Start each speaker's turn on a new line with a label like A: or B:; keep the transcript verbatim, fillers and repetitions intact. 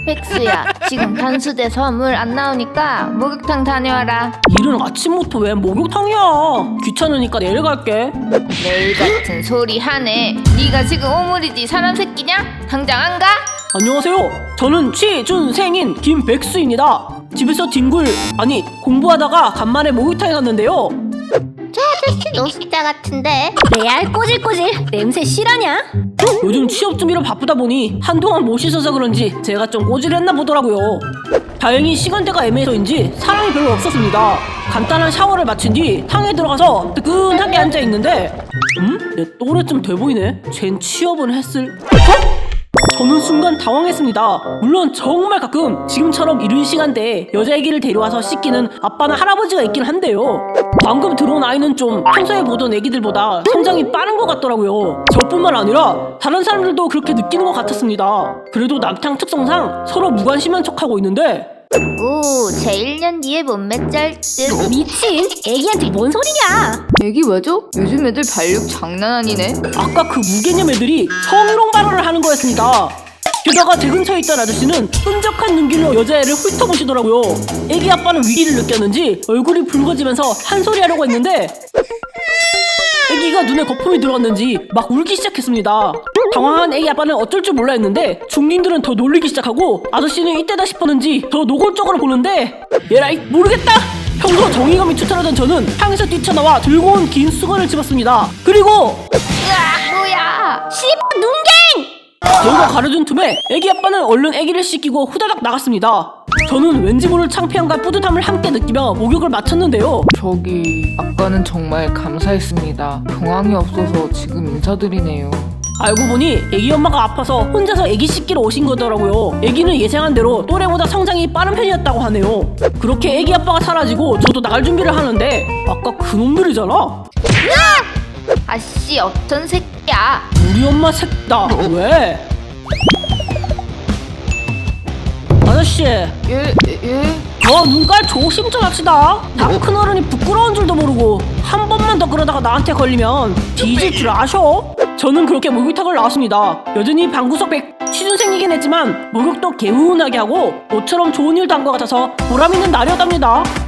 A: 백수야, 지금 단수돼서 물 안 나오니까 목욕탕 다녀와라.
B: 이른 아침부터 왜 목욕탕이야? 귀찮으니까 내일 갈게.
A: 내일 같은 소리 하네. 네가 지금 오물이지 사람 새끼냐? 당장 안 가?
B: 안녕하세요. 저는 취준생인 김백수입니다. 집에서 뒹굴 아니 공부하다가 간만에 목욕탕에 갔는데요.
A: 저 아저씨 노숙자 같은데.
C: 레알 꼬질꼬질 냄새 실하냐?
B: 요즘 취업 준비로 바쁘다 보니 한동안 못 씻어서 그런지 제가 좀 꼬질했나 보더라고요. 다행히 시간대가 애매해서인지 사람이 별로 없었습니다. 간단한 샤워를 마친 뒤 탕에 들어가서 뜨끈하게 앉아있는데 음? 내 또래쯤 돼 보이네? 쟨 취업은 했을... 어? 저는 순간 당황했습니다. 물론 정말 가끔 지금처럼 이른 시간대에 여자애기를 데려와서 씻기는 아빠나 할아버지가 있긴 한데요. 방금 들어온 아이는 좀 평소에 보던 애기들보다 성장이 빠른 것 같더라고요. 저뿐만 아니라 다른 사람들도 그렇게 느끼는 것 같았습니다. 그래도 남탕 특성상 서로 무관심한 척하고 있는데
A: 오, 제 일 년 뒤에 몸매 짤 듯.
C: 미친! 애기한테 뭔 소리냐?
D: 애기 왜죠? 요즘 애들 발육 장난 아니네.
B: 아까 그 무개념 애들이 성희롱 발언을 하는 거였습니다. 게다가 제 근처에 있던 아저씨는 끈적한 눈길로 여자애를 훑어보시더라고요. 애기 아빠는 위기를 느꼈는지 얼굴이 붉어지면서 한 소리 하려고 했는데 애기가 눈에 거품이 들어갔는지 막 울기 시작했습니다. 당황한 애기 아빠는 어쩔 줄 몰라 했는데 중딩들은 더 놀리기 시작하고 아저씨는 이때다 싶었는지 더 노골적으로 보는데 얘라이 모르겠다! 평소 정의감이 투철하던 저는 향에서 뛰쳐나와 들고 온 긴 수건을 집었습니다. 그리고
A: 으악, 뭐야?
C: 씨발 눈갱!
B: 저희가 가려준 틈에 애기 아빠는 얼른 애기를 씻기고 후다닥 나갔습니다. 저는 왠지 모를 창피함과 뿌듯함을 함께 느끼며 목욕을 마쳤는데요.
D: 저기 아까는 정말 감사했습니다. 경황이 없어서 지금 인사드리네요.
B: 알고 보니 애기 엄마가 아파서 혼자서 애기 씻기러 오신 거더라고요. 애기는 예상한 대로 또래보다 성장이 빠른 편이었다고 하네요. 그렇게 애기 아빠가 사라지고 저도 나갈 준비를 하는데 아까 그놈들이잖아.
A: 아씨, 어떤 새끼야?
B: 우리 엄마 색다. 왜? 아저씨,
D: 예, 예?
B: 너 눈깔 조심 좀 합시다. 다 큰 어른이 부끄러운 줄도 모르고 한 번만 더 그러다가 나한테 걸리면 뒤질 줄 아셔? 저는 그렇게 목욕탕을 나왔습니다. 여전히 방구석 백 취준생이긴 했지만 목욕도 개운하게 하고 모처럼 좋은 일도 한 것 같아서 보람 있는 날이었답니다.